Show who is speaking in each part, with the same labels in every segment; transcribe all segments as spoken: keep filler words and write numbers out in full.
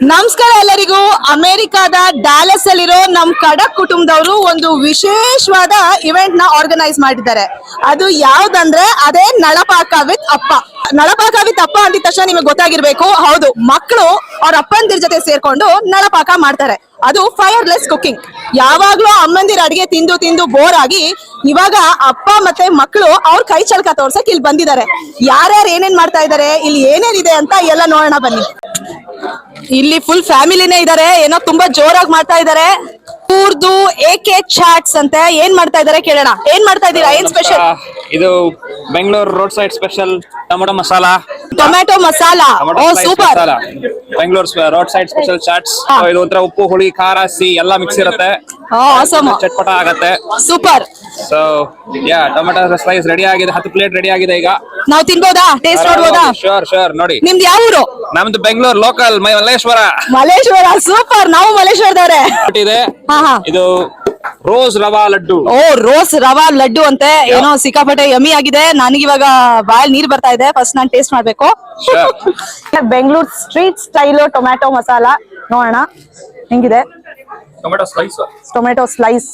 Speaker 1: ನಮಸ್ಕಾರ ಎಲ್ಲರಿಗೂ. ಅಮೆರಿಕಾದ ಡ್ಯಾಲಸ್ ಅಲ್ಲಿರೋ ನಮ್ ಕಡಕ್ ಕುಟುಂಬದವರು ಒಂದು ವಿಶೇಷವಾದ ಇವೆಂಟ್ ನ ಆರ್ಗನೈಸ್ ಮಾಡಿದ್ದಾರೆ. ಅದು ಯಾವ್ದಂದ್ರೆ ಅದೇ ನಳಪಾಕ ವಿತ್ ಅಪ್ಪ. ನಳಪಾಕ ವಿತ್ ಅಪ್ಪ ಅಂದಿದ ತಕ್ಷಣ ನಿಮಗೆ ಗೊತ್ತಾಗಿರ್ಬೇಕು, ಹೌದು, ಮಕ್ಕಳು ಅವ್ರ ಅಪ್ಪಂದಿರ ಜೊತೆ ಸೇರ್ಕೊಂಡು ನಳಪಾಕ ಮಾಡ್ತಾರೆ. ಅದು ಫೈರ್ಲೆಸ್ ಕುಕಿಂಗ್. ಯಾವಾಗ್ಲೂ ಅಮ್ಮಂದಿರ ಅಡಿಗೆ ತಿಂದು ತಿಂದು ಬೋರ್ ಆಗಿ ಇವಾಗ ಅಪ್ಪ ಮತ್ತೆ ಮಕ್ಕಳು ಅವ್ರ ಕೈ ಚಳಕ ತೋರ್ಸಕ್ ಇಲ್ಲಿ ಬಂದಿದ್ದಾರೆ. ಯಾರ್ಯಾರು ಏನೇನ್ ಮಾಡ್ತಾ ಇದಾರೆ, ಇಲ್ಲಿ ಏನೇನಿದೆ ಅಂತ ಎಲ್ಲ ನೋಡೋಣ ಬನ್ನಿ. ಇಲ್ಲಿ ಫುಲ್ ಫ್ಯಾಮಿಲಿನೇ ಇದಾರೆ, ಏನೋ ತುಂಬಾ ಜೋರಾಗಿ ಮಾಡ್ತಾ ಇದಾರೆ. ಕೂರ್ದು ಏಕೆ ಚಾಟ್ಸ್ ಅಂತ ಏನ್ ಮಾಡ್ತಾ ಇದಾರೆ ಕೇಳೋಣ. ಏನ್ ಮಾಡ್ತಾ ಇದೀರಾ, ಏನ್ ಸ್ಪೆಷಲ್?
Speaker 2: ಇದು Bengaluru road side special tomato masala.
Speaker 1: Tomato masala, ಓ super.
Speaker 2: Bengaluru road side special chaats. ಇದು ಒಂಥರ ಉಪ್ಪು ಹುಳಿ ಖಾರ ಸಿ ಎಲ್ಲ ಮಿಕ್ಸ್ ಇರುತ್ತೆ, ಚಟ್ಪಟ ಆಗತ್ತೆ,
Speaker 1: super.
Speaker 2: So yeah tomato slice ready ಆಗಿದೆ. ಹತ್ತು ಪ್ಲೇಟ್ ರೆಡಿ ಆಗಿದೆ. ಈಗ
Speaker 1: ನಾವು ತಿನ್ಬೋದಾ, ಟೇಸ್ಟ್ ನೋಡ್ಬೋದಾ?
Speaker 2: ಶೋರ್ ಶೋರ್ ನೋಡಿ.
Speaker 1: ನಿಮ್ದು ಯಾವ ಊರು?
Speaker 2: ನಮ್ದು ಬೆಂಗಳೂರು ಲೋಕಲ್ ಮಲ್ಲೇಶ್ವರ.
Speaker 1: ಮಲ್ಲೇಶ್ವರ, ಸೂಪರ್. ನಾವು ಮಲ್ಲೇಶ್ವರದವ್ರೆ.
Speaker 2: ಇದೆ ಇದು ರೋಸ್ ರವಾ ಲಡ್ಡು.
Speaker 1: ಓ ರೋಸ್ ರವಾ ಲಡ್ಡು ಅಂತೆ, ಏನೋ ಸಿಕ್ಕಾಪಟ್ಟೆ ಯಮ್ಮಿ ಆಗಿದೆ. ನನಗಿವಾಗ ಬಾಯಲ್ಲಿ ನೀರ್ ಬರ್ತಾ ಇದೆ. ಫಸ್ಟ್ ನಾನು ಟೇಸ್ಟ್ ಮಾಡ್ಬೇಕು. Bengaluru street style tomato masala ನೋಡೋಣ ಹೆಂಗಿದೆ.
Speaker 2: Tomato slice
Speaker 1: tomato slice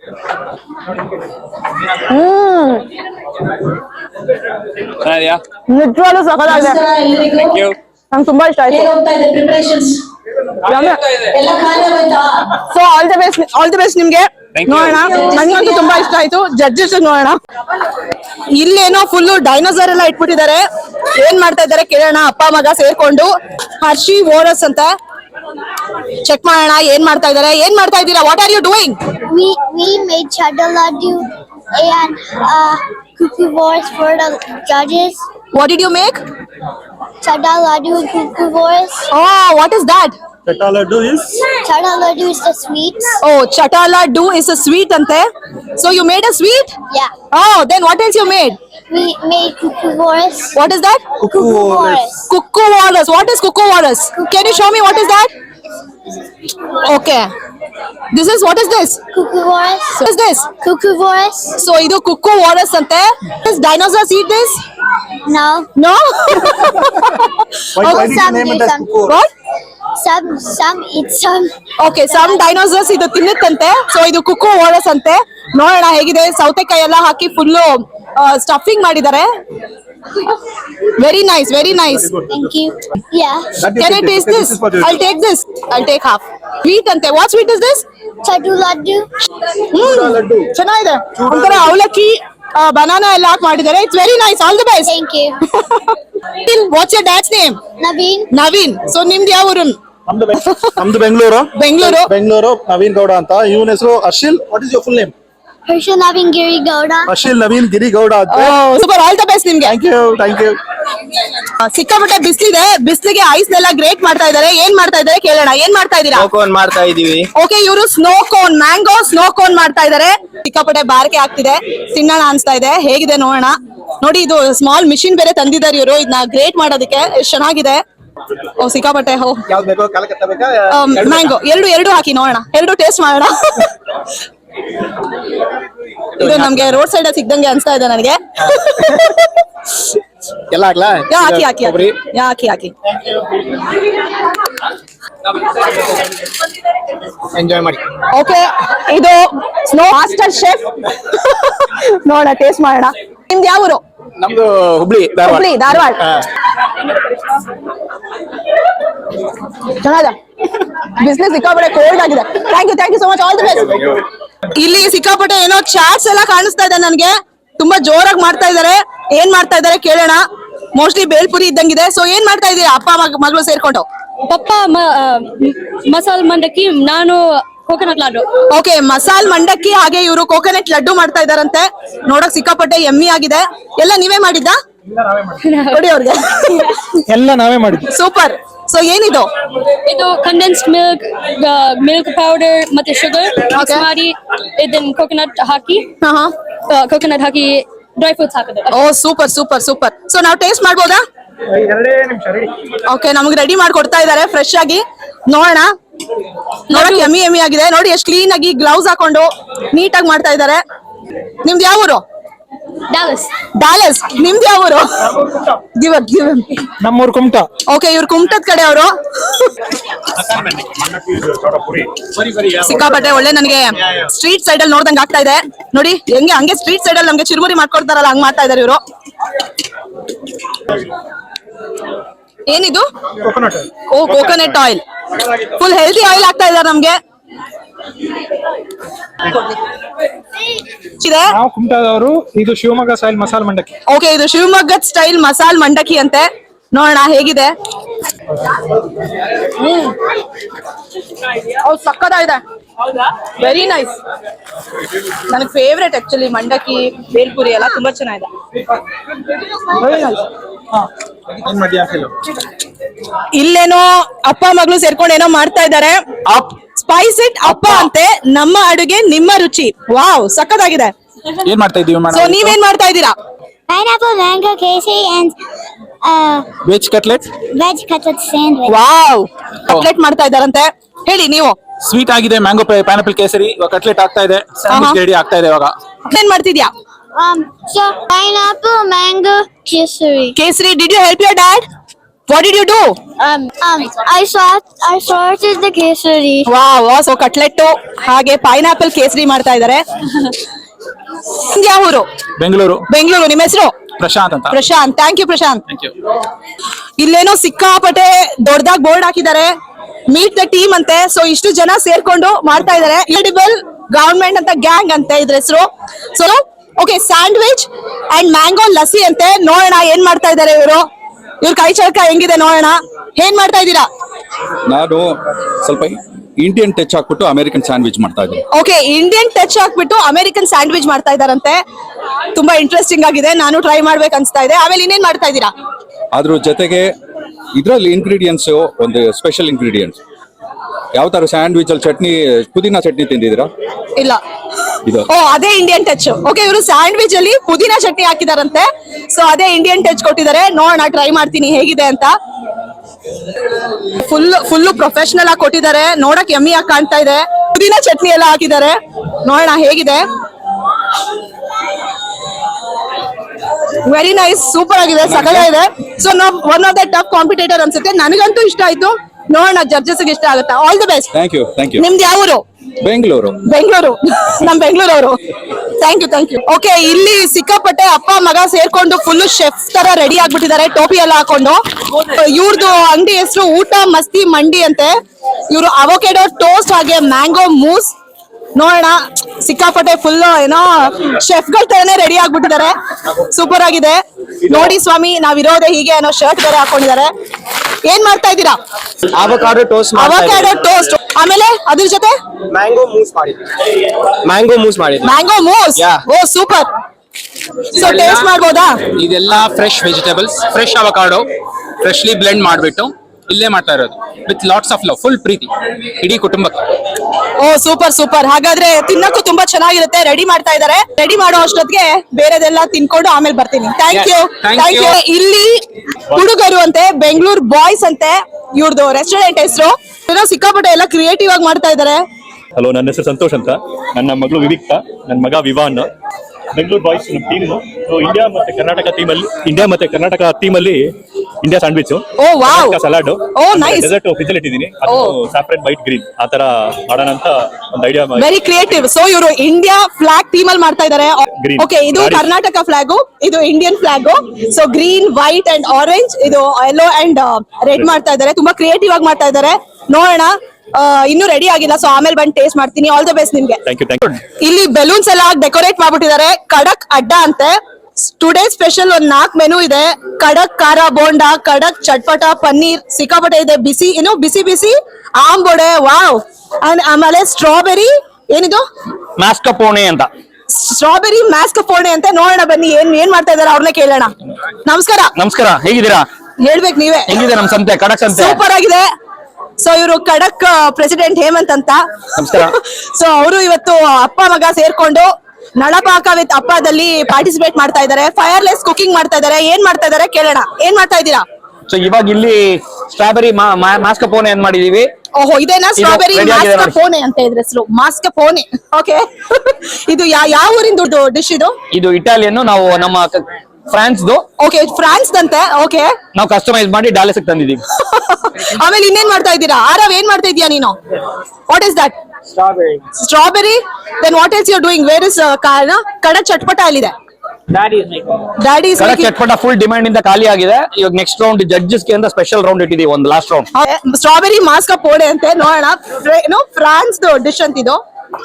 Speaker 1: hmm ನಿಜವಾಗ್ಲೂ ಸಖತ್ತಾಗಿದೆ. ನಂಗೆ ತುಂಬಾ ಇಷ್ಟ ಆಯ್ತು. So all the best, all the best ನಿಮ್ಗೆ. ನೋಡೋಣ, ನನಗಂತೂ ತುಂಬಾ ಇಷ್ಟ ಆಯ್ತು. ಜಡ್ಜಸ್ ನೋಡೋಣ. ಇಲ್ಲೇನೋ ಫುಲ್ ಡೈನೋಸರ್ ಎಲ್ಲ ಇಟ್ಬಿಟ್ಟಿದ್ದಾರೆ. ಏನ್ ಮಾಡ್ತಾ ಇದ್ದಾರೆ ಕೇಳೋಣ. ಅಪ್ಪ ಮಗ ಸೇರ್ಕೊಂಡು ಹರ್ಷಿ ವೋರಸ್ ಅಂತ ಚೆಕ್ ಮಾಡೋಣ ಏನ್ ಮಾಡ್ತಾ ಇದಾರೆ. ಏನ್ ಮಾಡ್ತಾ ಇದ್ದೀರಾ? What are you doing?
Speaker 3: We we made cheddar laddu and uh, cookie wars for the judges.
Speaker 1: What did you make?
Speaker 3: Cheddar laddu and cookie wars.
Speaker 1: Oh, what is that?
Speaker 4: Cheddar laddu is
Speaker 3: Cheddar laddu is the sweets.
Speaker 1: Oh, chatala do is a sweet ante. So you made a sweet?
Speaker 3: Yeah.
Speaker 1: Oh, then what else you made?
Speaker 3: We made cookie wars.
Speaker 1: What is that?
Speaker 3: Cookie wars.
Speaker 1: Cuckoo waters. What is cuckoo waters? Can you show me what is that? Okay. This is, what is this?
Speaker 3: Cookie wars.
Speaker 1: What is this?
Speaker 3: Cookie wars.
Speaker 1: So idu cuckoo waters ante. Does dinosaurs eat this?
Speaker 3: No.
Speaker 1: No?
Speaker 4: why, why did you
Speaker 3: some
Speaker 4: name
Speaker 3: do
Speaker 4: it as
Speaker 3: some.
Speaker 4: cuckoo?
Speaker 1: What?
Speaker 3: Some some eat some.
Speaker 1: Okay, some dinosaurs ಇದು ತಿನ್ನುತ್ತಂತೆ. So ಇದು ಕುಕ್ಕೋ ವಾರಸ್ ಅಂತೆ. ನೋಡೋಣ ಹೇಗಿದೆ. ಸೌತೆಕಾಯಿ ಎಲ್ಲ ಹಾಕಿ full stuffing ಮಾಡಿದ್ದಾರೆ. Very nice, very nice.
Speaker 3: Thank you. Yeah.
Speaker 1: Can I taste this? I'll take this. I'll take half. Sweet ಅಂತೆ. What sweet is this?
Speaker 3: Cheddar laddu.
Speaker 1: Hmm, ಚೆನ್ನಾಗಿದೆ. ಒಂಥರ ಅವಲಕ್ಕಿ ಬನಾನಾ ಎಲ್ಲ ಹಾಕಿ ಮಾಡಿದ್ದಾರೆ. It's very nice. All the best.
Speaker 3: Thank you.
Speaker 1: What's your dad's name?
Speaker 3: Naveen.
Speaker 1: Naveen. So ನಿಮ್ದು ಯಾವ ಊರು?
Speaker 4: ನಮ್ದು ನಮ್ದು ಬೆಂಗಳೂರು.
Speaker 1: ಬೆಂಗಳೂರು.
Speaker 4: ಬೆಂಗಳೂರು. ನವೀನ್ ಗೌಡ ಅಂತ. ಇವನ ಹೆಸರು Ashil. What is your full name?
Speaker 3: Harsha Naveen Giri Gowda.
Speaker 4: Ashil Naveen Giri Gowda ಅಂತ.
Speaker 1: ಸೂಪರ್. ಆಲ್ ದ ಬೆಸ್ಟ್ ನಿಮ್ಗೆ.
Speaker 4: Thank you, thank you.
Speaker 1: ಸಿಕ್ಕಾಪಟ್ಟೆ ಬಿಸ್ಲಿದೆ. ಬಿಸ್ಲಿಗೆ ಐಸ್ ನೆಲ್ಲ ಗ್ರೇಟ್ ಮಾಡ್ತಾ ಇದಾರೆ. ಏನ್ ಮಾಡ್ತಾ ಇದಾರೆ ಕೇಳೋಣ. ಏನ್ ಮಾಡ್ತಾ ಇದೀರಾ?
Speaker 2: ಕೋನ್ ಮಾಡ್ತಾ ಇದೀವಿ.
Speaker 1: ಓಕೆ, ಇವರು snow cone, mango snow cone ಮಾಡ್ತಾ ಇದಾರೆ. ಸಿಕ್ಕಾಪಟ್ಟೆ ಬಾರಿಕೆ ಆಗ್ತಿದೆ. ತಿನ್ನೋಣ ಅನ್ಸ್ತಾ ಇದೆ. ಹೇಗಿದೆ ನೋಡೋಣ. ನೋಡಿ, ಇದು ಸ್ಮಾಲ್ ಮಿಷಿನ್ ಬೇರೆ ತಂದಿದ್ದಾರೆ ಇವರು ಇದನ್ನ ಗ್ರೇಟ್ ಮಾಡೋದಕ್ಕೆ. ಎಷ್ಟು ಚೆನ್ನಾಗಿದೆ. ಓ ಸಿಕ್ಕಾಪಟ್ಟೆ. ಹೋ
Speaker 4: ಯಾವ್ದು ಬೇಕು? ಕಾಲಕತ್ತ ಬೇಕಾ?
Speaker 1: ಮ್ಯಾಂಗೋ ಎರಡು ಎರಡು ಹಾಕಿ ನೋಡೋಣ. ಎರಡು ಟೇಸ್ಟ್ ಮಾಡೋಣ. ಇದು ನಮ್ಗೆ ರೋಡ್ ಸೈಡ್ ಸಿಗ್ದಂಗೆ ಅನ್ಸ್ತಾ ಇದೆ ನನಗೆ.
Speaker 4: ಎಲ್ಲ ಹಾಕ್ಲಾ?
Speaker 1: ಹಾಕಿ ಹಾಕಿ ಹಾಕಿ ಹಾಕಿ
Speaker 4: ಎಂಜಾಯ್ ಮಾಡಿ.
Speaker 1: ಓಕೆ, ಇದು ಸ್ನೋ ಮಾಸ್ಟರ್ ಶೆಫ್. ನೋಡೋಣ, ಟೇಸ್ಟ್ ಮಾಡೋಣ. ನಿಮ್ದು ಯಾವ ಊರು?
Speaker 4: ನಮ್ದು ಹುಬ್ಳಿ ಧಾರವಾಡ.
Speaker 1: ಹುಬ್ಳಿ ಧಾರವಾಡ. ಚೆನ್ನಾಗಿದೆ. ಬಿಸ್ನೆಸ್ ಸಿಕ್ಕಾಪಟ್ಟೆ ಕೋಲ್ಡ್ ಆಗಿದೆ. Thank you, thank you so much. All the best. ಇಲ್ಲಿ ಸಿಕ್ಕಾಪಟ್ಟೆ ಏನೋ ಚಾಟ್ಸ್ ಎಲ್ಲ ಕಾಣಿಸ್ತಾ ಇದೆ ನನಗೆ. ತುಂಬಾ ಜೋರಾಗಿ ಮಾಡ್ತಾ ಇದಾರೆ. ಏನ್ ಮಾಡ್ತಾ ಇದಾರೆ ಕೇಳೋಣ. ಮೋಸ್ಟ್ಲಿ ಬೇಲ್ಪುರಿ ಇದ್ದಂಗಿದೆ. ಸೊ ಏನ್ ಮಾಡ್ತಾ ಇದೀರಾ ಅಪ್ಪ ಮಗಳು ಸೇರ್ಕೊಂಡು?
Speaker 5: ಪಪ್ಪ ಮಸಾಲ ಮಂಡಕ್ಕಿ, ನಾನು ಕೋಕೋನಟ್ ಲಾಡು.
Speaker 1: ಓಕೆ, ಮಸಾಲ್ ಮಂಡಕ್ಕಿ ಹಾಗೆ ಇವರು ಕೋಕೋನಟ್ ಲಡ್ಡು ಮಾಡ್ತಾ ಇದಾರಂತೆ. ನೋಡಕ್ ಸಿಕ್ಕಾಪಟ್ಟೆ ಎಮ್ಮಿ ಆಗಿದೆ. ಎಲ್ಲ ನೀವೇ ಮಾಡಿದ್ದ? ನೋಡಿ ಅವ್ರಿಗೆ.
Speaker 4: ಎಲ್ಲ ನಾವೇ ಮಾಡಿದ್ವಿ.
Speaker 1: ಸೂಪರ್. ಸೊ ಏನಿದು?
Speaker 5: ಇದು ಕಂಡೆನ್ಸ್ಡ್ ಮಿಲ್ಕ್, ಮಿಲ್ಕ್ ಪೌಡರ್ ಮತ್ತೆ ಶುಗರ್ ಮಿಕ್ಸ್ ಮಾಡಿ ಇದನ್ನ ಕೋಕೋನಟ್ ಹಾಕಿ ಕೋಕೋನಟ್ ಹಾಕಿ ಡ್ರೈ ಫ್ರೂಟ್ಸ್ ಹಾಕಿದೆ.
Speaker 1: ಓ ಸೂಪರ್ ಸೂಪರ್ ಸೂಪರ್. ಸೊ ನಾವು ಟೇಸ್ಟ್ ಮಾಡ್ಬೋದಾ? ಓಕೆ, ನಮ್ಗೆ ರೆಡಿ ಮಾಡಿ ಕೊಡ್ತಾ ಇದಾರೆ ಫ್ರೆಶ್ ಆಗಿ. ನೋಡೋಣ. ನೋಡಕ್ ಎಮ್ಮಿ ಎಮ್ಮಿ ಆಗಿದೆ. ನೋಡಿ ಎಷ್ಟು ಕ್ಲೀನ್ ಆಗಿ ಗ್ಲೌಸ್ ಹಾಕೊಂಡು ನೀಟಾಗಿ ಮಾಡ್ತಾ ಇದಾರೆ. ನಿಮ್ದು ಯಾವ ಊರು?
Speaker 5: Dallas.
Speaker 1: Dallas. ನಿಮ್ದು ಯಾವ ಊರು? Give up give up.
Speaker 4: ನಮ್ಮೂರು ಕುಮಟಾ.
Speaker 1: ಓಕೆ, ಇವ್ರು ಕುಮಟದ ಕಡೆ ಅವರು. ಸಿಕ್ಕಾಪಟ್ಟೆ ಒಳ್ಳೆ ನನಗೆ ಸ್ಟ್ರೀಟ್ ಸೈಡ್ ಅಲ್ಲಿ ನೋಡ್ದಂಗೆ ಆಗ್ತಾ ಇದೆ ನೋಡಿ ಹೆಂಗೆ ಹಂಗೆ ಸ್ಟ್ರೀಟ್ ಸೈಡ್ ಅಲ್ಲಿ ನಮ್ಗೆ ಚಿರುಮುರಿ ಮಾಡ್ಕೊಡ್ತಾರಲ್ಲ ಹಂಗ್ ಮಾಡ್ತಾ ಇದಾರೆ ಇವರು. ಏನಿದು? ಓ coconut oil, full healthy oil ಆಗ್ತಾ ಇದಾರೆ ನಮ್ಗೆ. ಇದೆ
Speaker 6: ನಾವು ಕುಮಟಾದವರು. ಇದು ಶಿವಮೊಗ್ಗ ಸ್ಟೈಲ್ ಮಸಾಲ ಮಂಡಕ್ಕಿ.
Speaker 1: ಓಕೆ, ಇದು ಶಿವಮೊಗ್ಗದ ಸ್ಟೈಲ್ ಮಸಾಲ್ ಮಂಡಕ್ಕಿ ಅಂತೆ. ನೋಡೋಣ ಹೇಗಿದೆ. ಸಕ್ಕತ್ತಾಗಿದೆ, ವೆರಿ ನೈಸ್. ನನಗೆ ಫೇವ್ರೆಟ್ ಆಕ್ಚುಲಿ ಮಂಡಕ್ಕಿ, ಬೇಲ್ಪುರಿ ಎಲ್ಲ ತುಂಬಾ ಚೆನ್ನಾಗಿದೆ. Very nice. ಇಲ್ಲೇನೋ ಅಪ್ಪ ಮಗಳು ಸೇರ್ಕೊಂಡು ಏನೋ ಮಾಡ್ತಾ ಇದ್ದಾರೆ. ಸ್ಪೈಸ್ ಇಟ್ ಅಪ್ಪ ಅಂತೆ, ನಮ್ಮ ಅಡುಗೆ ನಿಮ್ಮ ರುಚಿ. ವಾವ್, ಸಕ್ಕತ್ತಾಗಿದೆ.
Speaker 4: ಏನ್ ಮಾಡ್ತಾ ಇದೀವಿ
Speaker 1: ಸೊ ನೀವೇನ್ ಮಾಡ್ತಾ ಇದ್ದೀರಾ?
Speaker 3: Pineapple, mango, casey, and uh,
Speaker 4: veg cutlet,
Speaker 3: veg cutlet sandwich.
Speaker 1: Wow, cutlet ಮಾಡ್ತಾ ಇದ್ದಾರಂತೆ. ಹೇಳಿ ನೀವು.
Speaker 4: ಸ್ವೀಟ್ ಆಗಿದೆ, ಮ್ಯಾಂಗೋ ಪೈನಾಪಲ್ ಕೇಸರಿ. ಇವಾಗ ಕಟ್ಲೆಟ್ ಆಗ್ತಾ ಇದೆ, ಸ್ಯಾಂಡ್ವಿಚ್ ರೆಡಿ ಆಗ್ತಾ ಇದೆ ಇವಾಗ.
Speaker 1: ಏನ್ ಮಾಡ್ತಿದ್ಯಾ?
Speaker 3: Um, so pineapple, mango, casey.
Speaker 1: Kesari, did you help your dad? What did you do?
Speaker 3: Um, um, I sort, I sorted the casey.
Speaker 1: Wow, so cutlet ಹಾಗೆ ಪೈನಾಪಲ್ ಕೇಸರಿ ಮಾಡ್ತಾ ಇದ್ದಾರೆ. ಯಾವ ಊರು?
Speaker 4: ಬೆಂಗಳೂರು.
Speaker 1: ಬೆಂಗಳೂರು. ನಿಮ್ಮ ಹೆಸರು?
Speaker 4: ಪ್ರಶಾಂತ್ ಅಂತ.
Speaker 1: Prashanth, thank you Prashanth.
Speaker 4: Thank you.
Speaker 1: ಇಲ್ಲೇನೋ ಸಿಕ್ಕಾಪಟ್ಟೆ ದೊಡ್ಡದಾಗಿ ಬೋರ್ಡ್ ಹಾಕಿದ್ದಾರೆ, ಮೀಟ್ ದ ಟೀಮ್ ಅಂತೆ. ಸೊ ಇಷ್ಟು ಜನ ಸೇರ್ಕೊಂಡು ಮಾಡ್ತಾ ಇದ್ದಾರೆ. ಇನ್ಕ್ರೆಡಿಬಲ್ ಗವರ್ಮೆಂಟ್ ಅಂತ ಗ್ಯಾಂಗ್ ಅಂತೆ ಇದ್ರ ಹೆಸರು. So okay, sandwich and mango lassi ಅಂತೆ. ನೋಡೋಣ ಏನ್ ಮಾಡ್ತಾ ಇದ್ದಾರೆ ಇವರು. ಇವ್ರ ಕೈ ಚಳಕ ಹೆಂಗಿದೆ ನೋಡೋಣ. ಏನ್ ಮಾಡ್ತಾ ಇದ್ದೀರಾ?
Speaker 7: ನಾನು ಸ್ವಲ್ಪ ಇಂಡಿಯನ್ ಟಚ್ ಹಾಕ್ಬಿಟ್ಟು ಅಮೆರಿಕನ್ ಸ್ಯಾಂಡ್ವಿಚ್ ಮಾಡ್ತಾ ಇದ್ದೀನಿ.
Speaker 1: ಓಕೆ, ಇಂಡಿಯನ್ ಟಚ್ ಹಾಕ್ಬಿಟ್ಟು ಅಮೆರಿಕನ್ ಸ್ಯಾಂಡ್ವಿಚ್ ಮಾಡ್ತಾ ಇದಾರಂತೆ. ತುಂಬಾ ಇಂಟ್ರೆಸ್ಟಿಂಗ್ ಆಗಿದೆ, ನಾನು ಟ್ರೈ ಮಾಡ್ಬೇಕು ಅನ್ಸ್ತಾ ಇದೆ. ಆಮೇಲೆ ಇನ್ನೇನ್ ಮಾಡ್ತಾ ಇದ್ದೀರಾ?
Speaker 7: ಅದ್ರ ಜೊತೆಗೆ ಇದ್ರಲ್ಲಿ ಇಂಗ್ರೀಡಿಯೆಂಟ್ಸ್ ಒಂದು ಸ್ಪೆಷಲ್ ಇಂಗ್ರೀಡಿಯೆಂಟ್ಸ್. ಯಾವ ತರ ಸ್ಯಾಂಡ್ವಿಚ್ ಅಲ್ಲಿ ಚಟ್ನಿ, ಪುದೀನಾ ಚಟ್ನಿ ತಿಂದಿದ್ದೀರಾ?
Speaker 1: ಇಲ್ಲ.
Speaker 7: ಇದು
Speaker 1: ಓ, ಅದೇ ಇಂಡಿಯನ್ ಟಚ್. ಓಕೆ, ಇವರು ಸ್ಯಾಂಡ್ವಿಚ್ ಅಲ್ಲಿ ಪುದೀನಾ ಚಟ್ನಿ ಹಾಕಿದಾರಂತೆ. ಸೊ ಅದೇ ಇಂಡಿಯನ್ ಟಚ್ ಕೊಟ್ಟಿದ್ದಾರೆ. ನೋಡೋಣ, ಟ್ರೈ ಮಾಡ್ತೀನಿ ಹೇಗಿದೆ ಅಂತ. ಫುಲ್ ಫುಲ್ ಪ್ರೊಫೆಷನಲ್ ಆಗಿ ಕೊಟ್ಟಿದ್ದಾರೆ, ನೋಡಕ್ ಯಮ್ಮಿ ಆಗಿ ಕಾಣ್ತಾ ಇದೆ. ಪುದೀನಾ ಚಟ್ನಿ ಎಲ್ಲ ಹಾಕಿದ್ದಾರೆ, ನೋಡೋಣ ಹೇಗಿದೆ. ವೆರಿ ನೈಸ್, ಸೂಪರ್ ಆಗಿದೆ, ಸಕಲಾಗಿದೆ. ಸೊ ನಾವು one of the tough competitor ಅನ್ಸುತ್ತೆ. ನನಗಂತೂ ಇಷ್ಟ ಆಯ್ತು, ನೋಡೋಣ ಜಡ್ಜಸ್ ಇಷ್ಟ ಆಗುತ್ತಾ. All the best.
Speaker 7: Thank you. Thank you.
Speaker 1: ನಿಮ್ದು ಯಾವ ಊರು?
Speaker 7: ಬೆಂಗಳೂರು.
Speaker 1: ಬೆಂಗಳೂರು. ನಮ್ ಬೆಂಗಳೂರವರು. Thank you, thank you. Okay, ಇಲ್ಲಿ ಸಿಕ್ಕಾಪಟ್ಟೆ ಅಪ್ಪ ಮಗ ಸೇರ್ಕೊಂಡು ಫುಲ್ ಶೆಫ್ ತರ ರೆಡಿ ಆಗ್ಬಿಟ್ಟಿದ್ದಾರೆ, ಟೋಪಿ ಎಲ್ಲ ಹಾಕೊಂಡು. ಇವ್ರದ್ದು ಅಂಗಡಿ ಹೆಸರು ಊಟ ಮಸ್ತಿ ಮಂಡಿ ಅಂತೆ. ಇವರು ಅವೊಕಾಡೋ ಟೋಸ್ಟ್ ಹಾಗೆ ಮ್ಯಾಂಗೋ ಮೂಸ್. ನೋಡೋಣ, ಸಿಕ್ಕಾಪಟ್ಟೆ ಫುಲ್ ಏನೋ ಶೆಫ್ ಗಳ ತರನೇ ರೆಡಿ ಆಗ್ಬಿಟ್ಟಿದ್ದಾರೆ. ಸೂಪರ್ ಆಗಿದೆ ನೋಡಿ ಸ್ವಾಮಿ. ನಾವಿರೋದೇ ಹೀಗೆ ಅನ್ನೋ ಶರ್ಟ್ ಬೇರೆ ಹಾಕೊಂಡಿದ್ದಾರೆ. ಏನ್ ಮಾಡ್ತಾ ಇದ್ದೀರಾ?
Speaker 8: Avocado toast
Speaker 1: avocado toast. ಆಮೇಲೆ ಅದ್ರ ಜೊತೆ
Speaker 8: ಮ್ಯಾಂಗೋ ಮೂಸ್ ಮಾಡಿದ್ವಿ. ಮ್ಯಾಂಗೋ ಮೂಸ್ ಮಾಡಿದ್ವಿ.
Speaker 1: Mango mousse. ಓ ಸೂಪರ್. ಸೊ ಟೇಸ್ಟ್ ಮಾಡ್ಬೋದಾ?
Speaker 2: ಇದೆಲ್ಲ fresh vegetables, fresh avocado, freshly blend ಮಾಡ್ಬಿಟ್ಟು ಇಲ್ಲೇ ಮಾಡ್ತಾ ಇರೋದು with lots of love, full ಪ್ರೀತಿ ಇಡೀ ಕುಟುಂಬಕ್ಕೆ.
Speaker 1: ಓ ಸೂಪರ್ ಸೂಪರ್. ಹಾಗಾದ್ರೆ ತಿನ್ನಕ್ಕೂ ತುಂಬಾ ಚೆನ್ನಾಗಿರುತ್ತೆ. ರೆಡಿ ಮಾಡ್ತಾ ಇದಾರೆ. ರೆಡಿ ಮಾಡೋ ಅಷ್ಟೊತ್ತಿಗೆ ಬೇರೆದೆಲ್ಲ ತಿನ್ಕೊಂಡು ಆಮೇಲೆ ಬರ್ತೀನಿ. Thank you,
Speaker 2: Thank
Speaker 1: thank you. ಇಲ್ಲಿ ಹುಡುಗರು ಅಂತೆ, ಬೆಂಗಳೂರು ಬಾಯ್ಸ್ ಅಂತೆ ಇವ್ರದ್ದು ರೆಸ್ಟೋರೆಂಟ್ ಹೆಸರು. ಸಿಕ್ಕಾಪಟ್ಟೆ ಎಲ್ಲ ಕ್ರಿಯೇಟಿವ್ ಆಗಿ ಮಾಡ್ತಾ ಇದಾರೆ.
Speaker 9: ಹಲೋ, ನನ್ನ ಹೆಸರು ಸಂತೋಷ್ ಅಂತ. ನನ್ನ ಮಗಳು ವಿವಿಕ್ತಾ, ನನ್ನ ಮಗ ವಿವಾನ್. ಬೆಂಗಳೂರು ಬಾಯ್ಸ್ ನಮ್ಮ ಟೀಮ್. ಇಂಡಿಯಾ ಮತ್ತೆ ಕರ್ನಾಟಕ ಟೀಮ್ ಅಲ್ಲಿ ಇಂಡಿಯಾ ಮತ್ತೆ ಕರ್ನಾಟಕ ಟೀಮ್ ಅಲ್ಲಿ ಇಂಡಿಯಾ ಸ್ಯಾಂಡ್ವಿಚ್,
Speaker 1: ಓ ವಾವ್,
Speaker 9: ಸಲಾಡ್,
Speaker 1: ಓ ನೈಸ್,
Speaker 9: ಡೆಸರ್ಟ್ ಫ್ರಿಜ್ ಇಟ್ಟಿದ್ದೀನಿ. ಅದು ಸಾಫ್ರೆನ್ ವೈಟ್ ಗ್ರೀನ್ ಆ ತರ ಮಾಡೋಣ ಅಂತ ಒಂದು ಐಡಿಯಾ.
Speaker 1: Very creative. ಸೊ ಇವರು ಇಂಡಿಯಾ ಫ್ಲಾಗ್ ಟೀಮ್ ಅಲ್ಲಿ ಮಾಡ್ತಾ ಇದಾರೆ.
Speaker 9: Green.
Speaker 1: ಓಕೆ, ಇದು ಕರ್ನಾಟಕ ಫ್ಲಾಗ್, ಇದು Indian flag. So green, white and orange, ಇದು ಯೆಲ್ಲೋ ಅಂಡ್ ರೆಡ್ ಮಾಡ್ತಾ ಇದಾರೆ. ತುಂಬಾ ಕ್ರಿಯೇಟಿವ್ ಆಗಿ ಮಾಡ್ತಾ ಇದಾರೆ. ನೋಡೋಣ, ಇನ್ನು ರೆಡಿ ಆಗಿಲ್ಲ. ಸೊ ಆಮೇಲೆ ಬಂದು ಟೇಸ್ಟ್ ಮಾಡ್ತೀನಿ. ಆಲ್ ದ ಬೆಸ್ಟ್ ನಿಮ್ಗೆ.
Speaker 9: Thank you. Thank you.
Speaker 1: ಇಲ್ಲಿ ಬೆಲೂನ್ಸ್ ಎಲ್ಲ ಡೆಕೋರೇಟ್ ಮಾಡ್ಬಿಟ್ಟಿದ್ದಾರೆ. ಕಡಕ್ ಅಡ್ಡ ಅಂತೆ. ಟುಡೇ ಸ್ಪೆಷಲ್ ಒಂದ್ ನಾಲ್ಕು ಮೆನು ಇದೆ. ಕಡಕ್ ಖಾರ ಬೋಂಡಾ, ಕಡಕ್ ಚಟ್ಪಟ ಪನ್ನೀರ್, ಸಿಕ್ಕಾಪಟ್ಟೆ ಇದೆ. ಬಿಸಿ ಏನು ಬಿಸಿ ಬಿಸಿ ಆಂಬೊಡೆ, ವಾವ್. ಆಮೇಲೆ ಸ್ಟ್ರಾಬೆರಿ, ಏನಿದು
Speaker 8: ಮಾಸ್ಕಪೋಣೆ ಅಂತ,
Speaker 1: ಸ್ಟ್ರಾಬೆರಿ ಮ್ಯಾಸ್ಕಪೋಣೆ ಅಂತ. ನೋಡೋಣ ಬನ್ನಿ ಏನ್ ಏನ್ ಮಾಡ್ತಾ ಇದಾರೆ, ಅವ್ರನ್ನೇ ಕೇಳೋಣ. ನಮಸ್ಕಾರ.
Speaker 8: ನಮಸ್ಕಾರ, ಹೇಗಿದ್ದೀರಾ?
Speaker 1: ಹೇಳ್ಬೇಕು ನೀವೇ.
Speaker 8: ಹೆಂಗಿದೆ ನಮ್ ಸಂತೆ, ಕಡಕ್ ಸಂತೆ?
Speaker 1: ಸೂಪರ್ ಆಗಿದೆ. ಸೊ ಇವರು ಕಡಕ್ ಪ್ರೆಸಿಡೆಂಟ್ ಹೇಮಂತ್ ಅಂತ.
Speaker 8: ನಮಸ್ಕಾರ.
Speaker 1: ಸೊ ಅವರು ಇವತ್ತು ಅಪ್ಪ ಮಗ ಸೇರ್ಕೊಂಡು ನಳಪಾಕ ವಿತ್ ಅಪ್ಪದಲ್ಲಿ ಪಾರ್ಟಿಸಿಪೇಟ್ ಮಾಡ್ತಾ ಇದಾರೆ. ಫೈರ್ಲೆಸ್ ಕುಕಿಂಗ್ ಮಾಡ್ತಾ ಇದಾರೆ. ಏನ್ ಮಾಡ್ತಾ ಇದಾರೆ ಕೇಳೋಣ. ಏನ್ ಮಾಡ್ತಾ ಇದ್ದೀರಾ?
Speaker 8: ಸೊ ಇವಾಗ ಇಲ್ಲಿ ಸ್ಟ್ರಾಬೆರಿ ಮಾಸ್ಕಪೋಣೆ ಅಂತ ಮಾಡಿದೀವಿ.
Speaker 1: ಓಹೋ, ಇದೇನಾ ಸ್ಟ್ರಾಬೆರಿ
Speaker 8: ready ಆಗಿದೆ ನೋಡಿ.
Speaker 1: ಮಾಸ್ಕಪೋಣೆ ಅಂತ ಇದ್ರ ಹೆಸರು, ಮಾಸ್ಕಪೋಣೆ. ಓಕೆ, ಇದು ಯಾವ ಊರಿಂದು ಡಿಶ್ ಇದು?
Speaker 8: ಇದು ಇಟಾಲಿಯನ್. ನಾವು ನಮ್ಮ ಫ್ರಾನ್ಸ್.
Speaker 1: ಓಕೆ, ಫ್ರಾನ್ಸ್ ಅಂತೆ. ಓಕೆ,
Speaker 8: ನಾವು ಕಸ್ಟಮೈಸ್ ಮಾಡಿ ಡಾಲೆಸ್ ತಂದಿದ್ದೀವಿ.
Speaker 1: ಆಮೇಲೆ ಇನ್ನೇನ್ ಮಾಡ್ತಾ ಇದ್ದೀರಾ? ಆರವ್ ಏನ್ ಮಾಡ್ತಾ ಇದೀಯಾ ನೀನು? What is that? Strawberry. Then what else you are doing? Where is ಕಡ ಚಟ್ಪಟ ಅಲ್ಲಿದೆ. ಡ್ಯಾಡಿ ಇಸ್
Speaker 8: ಕಡ ಚಟ್ಪಟ ಫುಲ್ ಡಿಮ್ಯಾಂಡ್ ಇಂದ ಖಾಲಿ ಆಗಿದೆ. ಇವಾಗ ನೆಕ್ಸ್ಟ್ ರೌಂಡ್ ಜಡ್ಜಸ್ ಗೆ ಅಂತ ಸ್ಪೆಷಲ್ ರೌಂಡ್ ಇಟ್ಟಿದೀವಿ, ಒಂದು ಲಾಸ್ಟ್ ರೌಂಡ್.
Speaker 1: ಸ್ಟ್ರಾಬೆರಿ ಮಾಸ್ಕ ಪೋಡೆ ಅಂತೆ, ನೋಡೋಣ. ಏನು ಫ್ರಾನ್ಸ್ ಡಿಶ್ ಅಂತ ಇದು.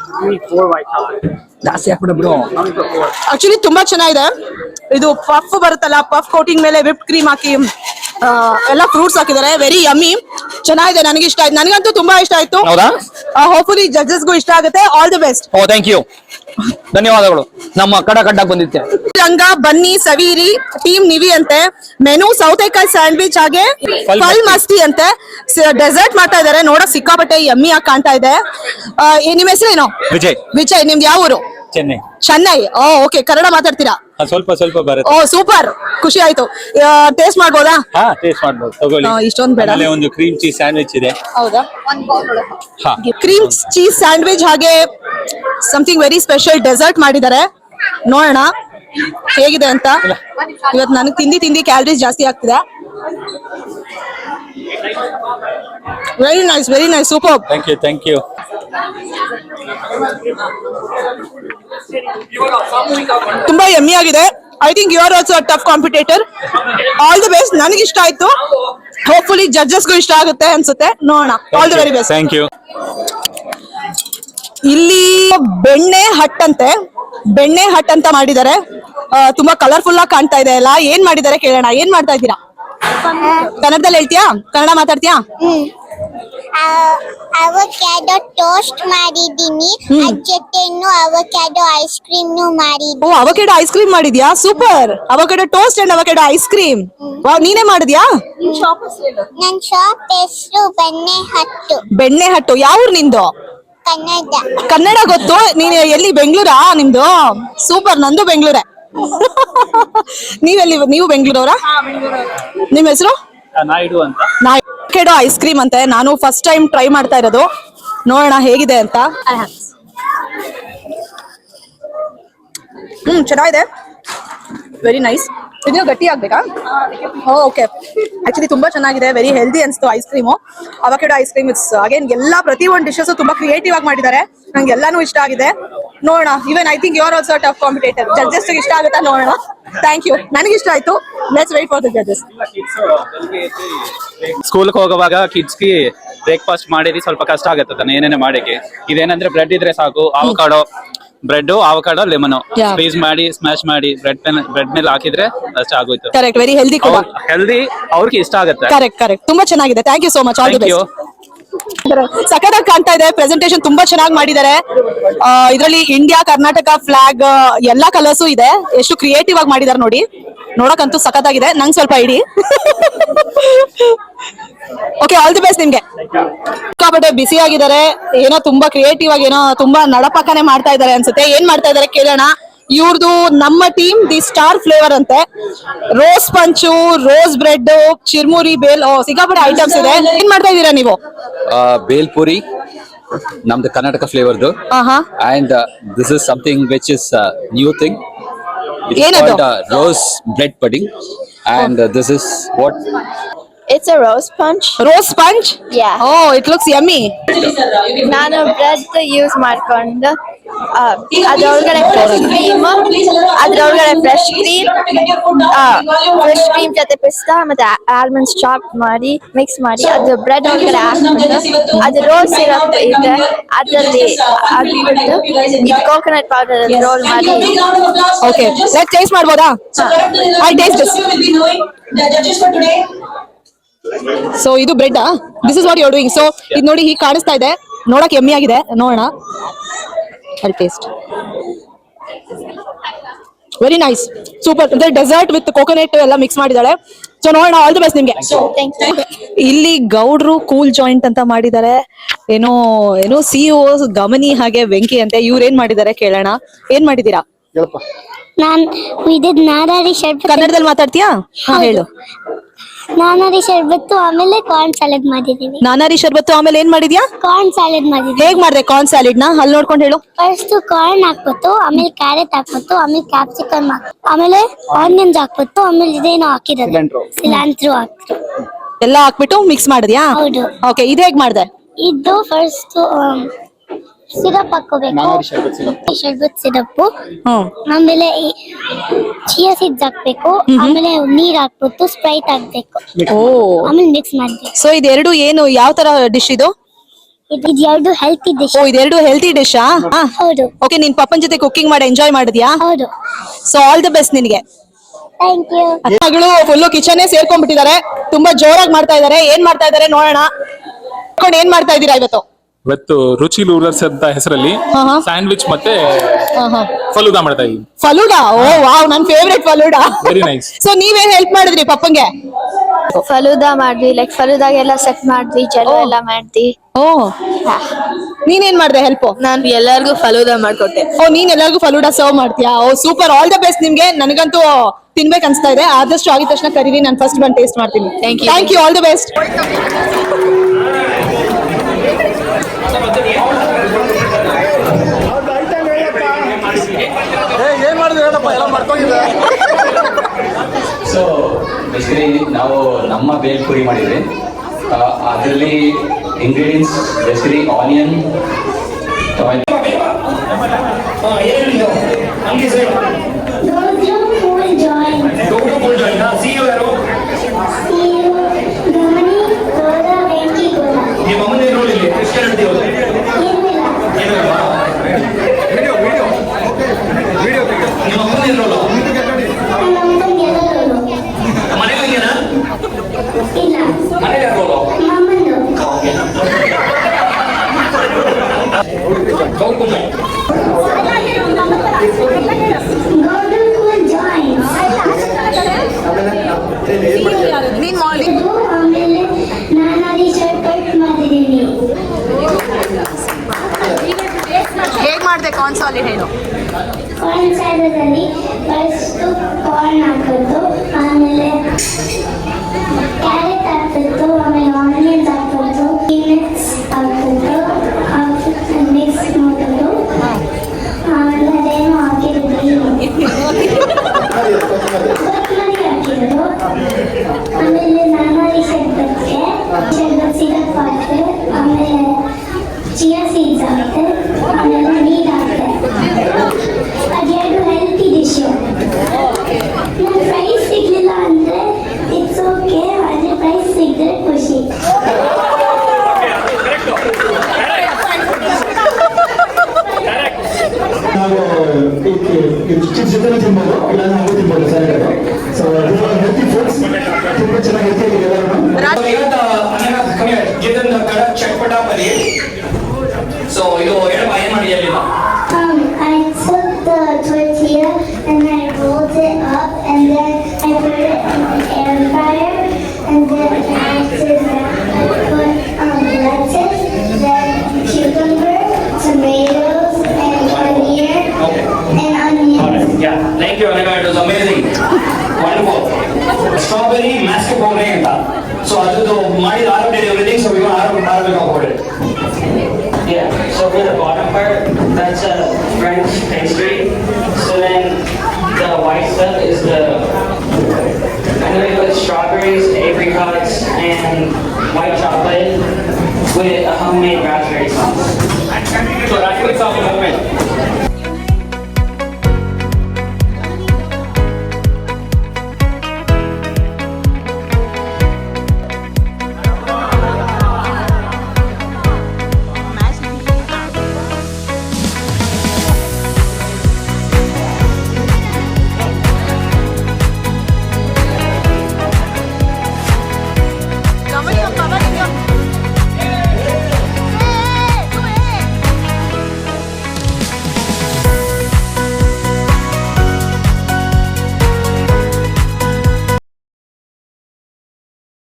Speaker 1: ಆಕ್ಚುಲಿ ತುಂಬಾ ಚೆನ್ನಾಗಿದೆ. ಇದು ಪಫ್ ಬರುತ್ತಲ್ಲ, ಪಫ್ ಕೋಟಿಂಗ್ ಮೇಲೆ ವಿಪ್ ಕ್ರೀಮ್ ಹಾಕಿ ಆ, ಎಲ್ಲ ಫ್ರೂಟ್ಸ್ ಹಾಕಿದ್ದಾರೆ. ವೆರಿ ಯಮ್ಮಿ, ಚೆನ್ನಾಗಿದೆ. ನನಗೆ ಇಷ್ಟ ಆಯ್ತು, ನನಗಂತೂ ತುಂಬಾ ಇಷ್ಟ ಆಯ್ತು.
Speaker 8: ಹೌದಾ?
Speaker 1: ಹೋಪ್ಫುಲಿ ಜಡ್ಜಸ್ಗೂ ಇಷ್ಟ ಆಗುತ್ತೆ. All the best.
Speaker 8: Oh thank you, ಧನ್ಯವಾದಗಳು. ನಮ್ಮ ಕಡ ಕಡ್ಡಾಗ್ ಬಂದಿತ್ತೆ.
Speaker 1: ರಂಗ ಬನ್ನಿ ಸವೀರಿ ಟೀಮ್ ನಿವಿ ಅಂತೆ. ಮೆನು ಸೌತೆಕಾಯಿ ಸ್ಯಾಂಡ್ವಿಚ್ ಹಾಗೆ ಫಲ್ ಮಸ್ತಿ ಅಂತೆ. ಡೆಸರ್ಟ್ ಮಾಡ್ತಾ ಇದಾರೆ. ನೋಡಕ್ ಸಿಕ್ಕಾಪಟ್ಟೆ ಯಮ್ಮಿ ಆಗಿ ಕಾಣ್ತಾ ಇದೆ. ಆ, ಏ- ನಿಮ್ ಹೆಸರೇನು?
Speaker 9: ವಿಜಯ್,
Speaker 1: ವಿಜಯ್. ನಿಮ್ದು ಯಾವ ಊರು?
Speaker 9: ಚೆನ್ನೈ.
Speaker 1: ಚೆನ್ನೈ. ಓ ಓಕೆ, ಕನ್ನಡ ಮಾತಾಡ್ತೀರಾ?
Speaker 9: ಸ್ವಲ್ಪ ಸ್ವಲ್ಪ ಬರುತ್ತೆ.
Speaker 1: ಓ ಸೂಪರ್, ಖುಷಿ ಆಯ್ತು. ಟೇಸ್ಟ್ ಮಾಡ್ಬೋದಾ?
Speaker 9: ಹಾ, ಟೇಸ್ಟ್ ಮಾಡ್ಬೋದು, ತಗೊಳ್ಳಿ.
Speaker 1: ಆ, ಇಷ್ಟೊಂದ್ ಬೇಡ.
Speaker 9: ಆಮೇಲೆ ಒಂದು ಕ್ರೀಮ್ ಚೀಸ್ ಸ್ಯಾಂಡ್ವಿಚ್ ಇದೆ.
Speaker 1: ಹೌದಾ?
Speaker 9: ಹಾ.
Speaker 1: ಕ್ರೀಮ್ ಚೀಸ್ ಸ್ಯಾಂಡ್ವಿಚ್ ಹಾಗೆ ಸಮಥಿಂಗ್ ವೆರಿ ಸ್ಪೆಷಲ್ ಡೆಸರ್ಟ್ ಮಾಡಿದ್ದಾರೆ. ನೋಡೋಣ ಹೇಗಿದೆ ಅಂತ. ಇವತ್ತು ನನಗೆ ತಿಂದಿ ತಿಂದಿ ಕ್ಯಾಲರೀಸ್ ಜಾಸ್ತಿ ಆಗ್ತಿದೆ. Very nice, very nice, super.
Speaker 9: Thank you, thank you.
Speaker 1: ತುಂಬಾ ಯಮ್ಮಿ ಆಗಿದೆ. I think you are also tough competitor. All the best. ನನಗೆ ಇಷ್ಟ ಆಯ್ತು. ಹೋಪ್ಫುಲಿ ಜಡ್ಜಸ್ಗೂ ಇಷ್ಟ ಆಗುತ್ತೆ ಅನ್ಸುತ್ತೆ. ನೋಡೋಣ. All the very best.
Speaker 9: Thank you.
Speaker 1: ಇಲ್ಲಿ ಬೆಣ್ಣೆ ಹಟ್ ಅಂತೆ. ಬೆಣ್ಣೆ ಹಟ್ ಅಂತ ಮಾಡಿದ್ದಾರೆ. ಆ, ತುಂಬಾ ಕಲರ್ಫುಲ್ ಆಗಿ ಕಾಣ್ತಾ ಇದೆ ಎಲ್ಲ. ಏನ್ ಮಾಡಿದ್ದಾರೆ ಕೇಳೋಣ. ಏನ್ ಮಾಡ್ತಾ ಇದ್ದೀರಾ? ಕನ್ನಡದಲ್ಲಿ ಹೇಳ್ತೀಯಾ? ಕನ್ನಡ ಮಾತಾಡ್ತೀಯಾ?
Speaker 3: ಅವಕ್ಯಾಡೋ ಟೋಸ್ಟ್ ಮಾಡಿದೀನಿ. ಅದ್ರ ಜೊತೆನು ಅವಕ್ಯಾಡೋ ಐಸ್ ಕ್ರೀಮ್ ಮಾಡಿದೀನಿ.
Speaker 1: ಓ, ಅವಕೆಡೋ ಐಸ್ ಕ್ರೀಮ್ ಮಾಡಿದ್ಯಾ? Super. Avocado toast and avocado ice cream. Wow, ನೀನೇ ಮಾಡಿದ್ಯಾ?
Speaker 3: ನನ್ ಶಾಪ್ ಹೆಸರು ಬೆಣ್ಣೆ ಹಟ್ಟು.
Speaker 1: ಬೆಣ್ಣೆ ಹಟ್ಟು. ಯಾವ ಊರು ನಿಂದು?
Speaker 3: ಕನ್ನಡ.
Speaker 1: ಕನ್ನಡ ಗೊತ್ತು. ನೀನು ಎಲ್ಲಿ? ಬೆಂಗಳೂರಾ ನಿಮ್ದು? ಸೂಪರ್. ನಂದು ಬೆಂಗಳೂರೇ. ನೀವೆಲ್ಲಿ? ನೀವು ಬೆಂಗಳೂರವರಾ? ನಿಮ್ ಹೆಸರು?
Speaker 4: ನಾಯ್ಡು ಅಂತ.
Speaker 1: ಅವಕೆಡೋ ಐಸ್ ಕ್ರೀಮ್ ಅಂತೆ. ನಾನು ಫಸ್ಟ್ ಟೈಮ್ ಟ್ರೈ ಮಾಡ್ತಾ ಇರೋದು. ನೋಡೋಣ ಹೇಗಿದೆ ಅಂತ. ಹ್ಮ್, ಚೆನ್ನಾಗಿದೆ. Very nice. ಇದು ಗಟ್ಟಿ ಆಗ್ಬೇಕಾ? ಓಕೆ. ಆಕ್ಚುಲಿ ತುಂಬಾ ಚೆನ್ನಾಗಿದೆ. ವೆರಿ ಹೆಲ್ದಿ ಅನ್ಸ್ತು ice cream. Avocado ice cream it's again ಎಲ್ಲಾ ಪ್ರತಿ ಒಂದು ಡಿಶಸ್ ತುಂಬಾ ಕ್ರಿಯೇಟಿವ್ ಆಗಿ ಮಾಡಿದ್ದಾರೆ. ನಂಗೆ ಎಲ್ಲಾನು ಇಷ್ಟ ಆಗಿದೆ. ನೋಡೋಣ. Even I think you are also tough competitor. Judges ಇಷ್ಟ ಆಗುತ್ತಾ? ನೋಡೋಣ. Thank you. ನನಗೆ ಇಷ್ಟ ಆಯ್ತು. Let's wait for the judges.
Speaker 4: ಸ್ಕೂಲ್ಗೆ ಹೋಗುವಾಗ ಕಿಡ್ಸ್ಗೆ ಬ್ರೇಕ್ಫಾಸ್ಟ್ ಮಾಡಿದ್ರೆ ಸ್ವಲ್ಪ ಕಷ್ಟ ಆಗುತ್ತೆ ತಾನೆ ಏನೇನೆ ಮಾಡಕ್ಕೆ. ಇದೇನಂದ್ರೆ ಬ್ರೆಡ್ ಇದ್ರೆ ಸಾಕು. Avocado bread, avocado, lemon
Speaker 1: Yeah.
Speaker 4: Squeeze ಮಾಡಿ ಸ್ಮ್ಯಾಶ್ ಮಾಡಿ ಬ್ರೆಡ್ ಬ್ರೆಡ್ ಮೇಲೆ ಹಾಕಿದ್ರೆ ಅಷ್ಟೇ ಆಗೋಯ್ತು.
Speaker 1: ಕರೆಕ್ಟ್. ವೆರಿ ಹೆಲ್ದಿ ಕೂಡ.
Speaker 4: ಹೆಲ್ದಿ, ಅವ್ರಿಗೆ ಇಷ್ಟ ಆಗುತ್ತೆ.
Speaker 1: Correct correct. ತುಂಬಾ ಚೆನ್ನಾಗಿದೆ. Thank you so much. All the
Speaker 4: thank you.
Speaker 1: Best. ಸಖತ್ತಾಗಿ ಕಾಣ್ತಾ ಇದೆ. ಪ್ರೆಸೆಂಟೇಶನ್ ತುಂಬಾ ಚೆನ್ನಾಗಿ ಮಾಡಿದ್ದಾರೆ. ಇದರಲ್ಲಿ ಇಂಡಿಯಾ, ಕರ್ನಾಟಕ ಫ್ಲಾಗ್ ಎಲ್ಲಾ ಕಲರ್ಸು ಇದೆ. ಎಷ್ಟು ಕ್ರಿಯೇಟಿವ್ ಆಗಿ ಮಾಡಿದ್ದಾರೆ ನೋಡಿ. ನೋಡಕ್ಕಂತೂ ಸಖತ್ತಾಗಿದೆ. ನಂಗೆ ಸ್ವಲ್ಪ ಇಡಿ. ಓಕೆ, ಆಲ್ ದಿ ಬೆಸ್ಟ್ ನಿಮ್ಗೆ. ಸಿಕ್ಕಾಪಟ್ಟೆ ಬಿಸಿ ಆಗಿದ್ದಾರೆ. ಏನೋ ತುಂಬಾ ಕ್ರಿಯೇಟಿವ್ ಆಗಿ ಏನೋ ತುಂಬಾ ನಡಪಾಕನೆ ಮಾಡ್ತಾ ಇದ್ದಾರೆ ಅನ್ಸುತ್ತೆ. ಏನ್ ಮಾಡ್ತಾ ಇದ್ದಾರೆ ಕೇಳೋಣ. ಇವ್ರದ್ದು ನಮ್ಮ ಟೀಮ್ ದಿ ಸ್ಟಾರ್ ಫ್ಲೇವರ್ ಅಂತೆ. ರೋಸ್ ಪಂಚು, ರೋಸ್ ಬ್ರೆಡ್, ಚಿರ್ಮುರಿ, ಬೇಲ್, ಓ ಸಿಕ್ಕಾಪಟ್ಟೆ ಐಟಮ್ಸ್ ಇದೆ. ಏನ್ ಮಾಡ್ತಾ ಇದ್ದೀರಾ ನೀವು?
Speaker 7: ಬೇಲ್ಪುರಿ ನಮ್ದು ಕರ್ನಾಟಕ ಫ್ಲೇವರ್ದು.
Speaker 1: ಆಹಾ.
Speaker 7: And this is something which is new thing.
Speaker 1: ಏನದು?
Speaker 7: Rose bread pudding. And this is what?
Speaker 10: It's a rose punch.
Speaker 1: Rose punch.
Speaker 10: Yeah.
Speaker 1: Oh, it looks yummy.
Speaker 10: ನಾನು ಬ್ರೆಡ್ ಯೂಸ್ ಮಾಡ್ಕೊಂಡು ಅದ್ರೊಳಗಡೆ ಫ್ರೆಶ್ ಕ್ರೀಮ್ ಅದ್ರೊಳಗಡೆ ಫ್ರೆಶ್ ಕ್ರೀಮ್ ಫ್ರೆಶ್ ಕ್ರೀಮ್ ಜೊತೆ ಪಿಸ್ತಾ ಮತ್ತೆ almonds chop ಮಾಡಿ mix ಮಾಡಿ ಅದು ಬ್ರೆಡ್ ಒಳಗಡೆ ಹಾಕ್ಬಿಟ್ಟು ಅದು ರೋಸ್ ಸಿರಪ್ ಇದೆ ಅದರಲ್ಲಿ ಹಾಕ್ಬಿಟ್ಟು ಇದು ಕೋಕೋನಟ್ ಪೌಡರ್ ರೋಲ್ ಮಾಡಿ.
Speaker 1: ಓಕೆ, ಲೆಟ್ ಟೇಸ್ಟ್ ಮಾಡ್ಬೋದಾ? I taste this. ಸೊ ಇದು bread. This is what you are doing. So ಇದು ನೋಡಿ ಹೀಗೆ ಕಾಣಿಸ್ತಾ ಇದೆ. ನೋಡಕ್ ಎಮ್ಮಿ ಆಗಿದೆ. ನೋಡೋಣ. ಅಲ್ಲಿ ಟೇಸ್ಟ್. Very nice, super. ಅಂದ್ರೆ ಡೆಸರ್ಟ್ ವಿತ್ ಕೋಕೋನಟ್ ಎಲ್ಲ ಮಿಕ್ಸ್ ಮಾಡಿದಾಳೆ. ಸೊ ನೋಡೋಣ. ಆಲ್ ದಿ ಬೆಸ್ಟ್ ನಿಮ್ಗೆ. ಇಲ್ಲಿ ಗೌಡ್ರು ಕೂಲ್ ಜಾಯಿಂಟ್ ಅಂತ ಮಾಡಿದ್ದಾರೆ. ಏನೋ ಏನೋ ಸಿಇಒ ಗಮನಿ ಹಾಗೆ ವೆಂಕಿ ಅಂತೆ. ಇವ್ರು ಏನ್ ಮಾಡಿದ್ದಾರೆ ಕೇಳೋಣ. ಏನ್ ಮಾಡಿದೀರಾ?
Speaker 3: ನಾನ್ ಇದಿದ್ ನಾರಾರಿ ಶರ್ಬತ್.
Speaker 1: ಕನ್ನಡದಲ್ಲಿ ಮಾತಾಡ್ತೀಯಾ? ಹಾ, ಹೇಳು.
Speaker 3: ನಾನಾರಿ ಶರ್ಬತ್ತು ಆಮೇಲೆ ಕಾರ್ನ್ ಸಾಲಡ್ ಮಾಡಿದೀವಿ.
Speaker 1: ನಾನಾರಿ ಶರ್ಬತ್ತು ಆಮೇಲೆ ಏನ್ ಮಾಡಿದ್ಯಾ?
Speaker 3: ಕಾರ್ನ್ ಸಾಲಡ್ ಮಾಡಿದೀವಿ.
Speaker 1: ಹೇಗ್ ಮಾಡ್ದೆ ಕಾರ್ನ್ ಸ್ಯಾಲಿಡ್ ನ? ಅಲ್ಲಿ ನೋಡ್ಕೊಂಡು ಹೇಳು.
Speaker 3: ಫಸ್ಟ್ ಕಾರ್ನ್ ಹಾಕ್ಬಿಟ್ಟು ಆಮೇಲೆ ಕ್ಯಾರೆಟ್ ಹಾಕ್ಬಿಟ್ಟು ಆಮೇಲೆ ಕ್ಯಾಪ್ಸಿಕಮ್ ಆಮೇಲೆ ಆನಿಯನ್ಸ್ ಹಾಕ್ಬಿಟ್ಟು ಆಮೇಲೆ ಇದೇನೋ ಹಾಕಿರೋದು ಸಿಲಾಂಟ್ರೋ ಹಾಕ್ಬಿಟ್ಟು
Speaker 1: ಎಲ್ಲ ಹಾಕ್ಬಿಟ್ಟು ಮಿಕ್ಸ್ ಮಾಡಿದ್ಯಾ?
Speaker 3: ಹೌದು.
Speaker 1: ಓಕೆ, ಇದು ಹೇಗ್ ಮಾಡ್ದೆ?
Speaker 3: ಇದು ಫಸ್ಟ್ ಸಿರಪ್ ಹಾಕೋಬೇಕು ಶರ್ಬತ್ ಸಿರಪ್ ಆಮೇಲೆ ಚಿಯಾ ಸೀಡ್ಸ್ ಹಾಕ್ಬೇಕು ಆಮೇಲೆ ನೀರ್ ಹಾಕ್ಬಿಟ್ಟು ಸ್ಪ್ರೈಟ್ ಹಾಕ್ಬೇಕು
Speaker 1: ಓ
Speaker 3: ಆಮೇಲೆ ಮಿಕ್ಸ್ ಮಾಡ್ಬೇಕು
Speaker 1: ಸೊ ಇದೆರಡು ಏನು ಯಾವ ತರ ಡಿಶ್ ಇದು?
Speaker 3: ಇದು ಎರಡು ಹೆಲ್ತಿ ಡಿಶ್.
Speaker 1: ಓ ಇದೆರಡು ಹೆಲ್ತಿ ಡಿಶಾ?
Speaker 3: ಹೌದು.
Speaker 1: ಓಕೆ, ನಿನ್ ಪಪ್ಪನ್ ಜೊತೆ ಕುಕಿಂಗ್ ಮಾಡಿ ಎಂಜಾಯ್ ಮಾಡಿದ್ಯಾ?
Speaker 3: ಹೌದು.
Speaker 1: ಸೊ ಆಲ್ ದ ಬೆಸ್ಟ್ ನಿನಗೆ.
Speaker 3: Thank you.
Speaker 1: ಮಗಳು ಫುಲ್ಲು ಕಿಚನ್ ಸೇರ್ಕೊಂಡ್ಬಿಟ್ಟಿದ್ದಾರೆ, ತುಂಬಾ ಜೋರಾಗಿ ಮಾಡ್ತಾ ಇದಾರೆ. ಏನ್ ಮಾಡ್ತಾ ಇದಾರೆ ನೋಡೋಣ. ಏನ್ ಮಾಡ್ತಾ ಇದ್ದೀರಾ ಇವತ್ತು?
Speaker 6: ಇವತ್ತು ರುಚಿ ಲೂರರ್ಸ್ ಅಂತ ಹೆಸರಲ್ಲಿ ಸ್ಯಾಂಡ್ವಿಚ್ ಮತ್ತೆ ಫಲೂದಾ ಮಾಡ್ತಾ ಇದೀವಿ.
Speaker 1: ಫಲೂಡಾ? ಓ ವಾವ್, ನನ್ favourite falooda.
Speaker 6: Very nice.
Speaker 1: So ನೀವೇನ್ ಹೆಲ್ಪ್ ಮಾಡಿದ್ರಿ ಪಪ್ಪಂಗೆ?
Speaker 10: ಫಲೂದಾ ಮಾಡ್ವಿ, ಲೈಕ್ ಫಲೂದಾಗೆಲ್ಲ ಸೆಟ್ ಮಾಡ್ವಿ, ಜಲ ಎಲ್ಲ ಮಾಡ್ವಿ.
Speaker 1: ಓ ನೀನೇನ್ ಮಾಡ್ದೆ ಹೆಲ್ಪ್?
Speaker 10: ನಾನು ಎಲ್ಲರಿಗೂ ಫಲೂದಾ ಮಾಡ್ಕೊಟ್ಟೆ.
Speaker 1: ಓ ನೀನ್ ಎಲ್ಲರಿಗೂ ಫಲೂಡಾ ಸರ್ವ್ ಮಾಡ್ತೀಯಾ? Oh super, all the best ನಿಮ್ಗೆ. ನನಗಂತೂ ತಿನ್ಬೇಕು ಅನ್ಸ್ತಾ ಇದೆ. ಆದಷ್ಟು ಆಗಿದ ತಕ್ಷಣ ಕರೀರಿ, ನಾನು ಫಸ್ಟ್ ಬಂದು ಟೇಸ್ಟ್ ಮಾಡ್ತೀನಿ.
Speaker 10: Thank you.
Speaker 1: Thank you, all the best.
Speaker 11: So basically ನಾವು ನಮ್ಮ ಬೇಲ್ ಪುರಿ ಮಾಡಿದ್ವಿ. ಅದರಲ್ಲಿ ಇಂಗ್ರೀಡಿಯೆಂಟ್ಸ್ ಬೇಸಿಕಲಿ ಆನಿಯನ್,
Speaker 1: ಹೇಗ್ ಮಾಡ್ದೆ ಕಾನ್ಸಾಲಿ ಹೇಳು?
Speaker 3: ಕಾರ್ನ್ ಸ್ಯಾಲಡಲ್ಲಿ ಫಸ್ಟ್ ಕಾರ್ನ್ ಹಾಕೋದು, ಆಮೇಲೆ ಕ್ಯಾರೆಟ್ ಹಾಕ್ಬಿಟ್ಟು, ಆಮೇಲೆ ಆನಿಯನ್ಸ್ ಹಾಕೋದು, ಪೀನಟ್ಸ್ ಹಾಕ್ಬಿಟ್ಟು ಹಾಕ್ಬಿಟ್ಟು ಮಿಕ್ಸ್ ಮಾಡೋದು. ಆಮೇಲೆ ಅದೇನೋ ಹಾಕಿರೋದು ಕೊತ್ತಂಬರಿ ಹಾಕಿರೋದು. ಆಮೇಲೆ ನಾನಾರಿ ಶರ್ಬತ್ಗೆ ಶರ್ಬತ್ ಸಿರಪ್ ಹಾಕ್ತೆ, ಆಮೇಲೆ ಚಿಯಾ ಸೀಡ್ಸ್ ಹಾಕ್ತೆ, ಆಮೇಲೆ ನೀರು ಹಾಕ್ತೆ. ಅದೆರಡು ಹೆಲ್ತಿ ಡಿಶ್. ನಾನು ಪ್ರೈಸ್ ಸಿಗ್ಲಿಲ್ಲ ಅಂದ್ರೆ ಇಟ್ಸ್ ಓಕೆ, ಆದ್ರೆ ಪ್ರೈಸ್ ಸಿಗದೆ ಖುಷಿ.
Speaker 12: ನಾವು ಚಿಪ್ಸ್ ಜೊತೆ ತಿನ್ಬೋದು, ಇಲ್ಲ ನಾವು ತಿನ್ಬೋದು ಸರ್. ಸೊ ಹೆಲ್ತಿ ಫುಡ್ಸ್ ತುಂಬಾ ಚೆನ್ನಾಗಿ ಹೆಲ್ತಿ
Speaker 11: ಸೊ ಇದು ಹೇಳಪ್ಪ ಏನ್ ಮಾಡಿ ಅಲ್ಲಿ?
Speaker 3: Um, I took the tortilla and I rolled it up and then I put it in the air fryer and then after that I put um, lettuce, then cucumber, tomatoes, and onion and onions.
Speaker 11: Yeah, thank you Anika, it was amazing. Wonderful. Strawberry mascarpone ಅಂತ. So ಅದು ಮಾಡಿದ ಆರೋಗ್ಯ everything, so we want to Arabic about it. Yeah, so for the bottom part, that's a French pastry. So then the white stuff is the, I'm going to put strawberries, apricots, and white chocolate with a homemade raspberry sauce. So raspberry sauce is homemade.
Speaker 1: ಗಮನಿಸಪ್ಪ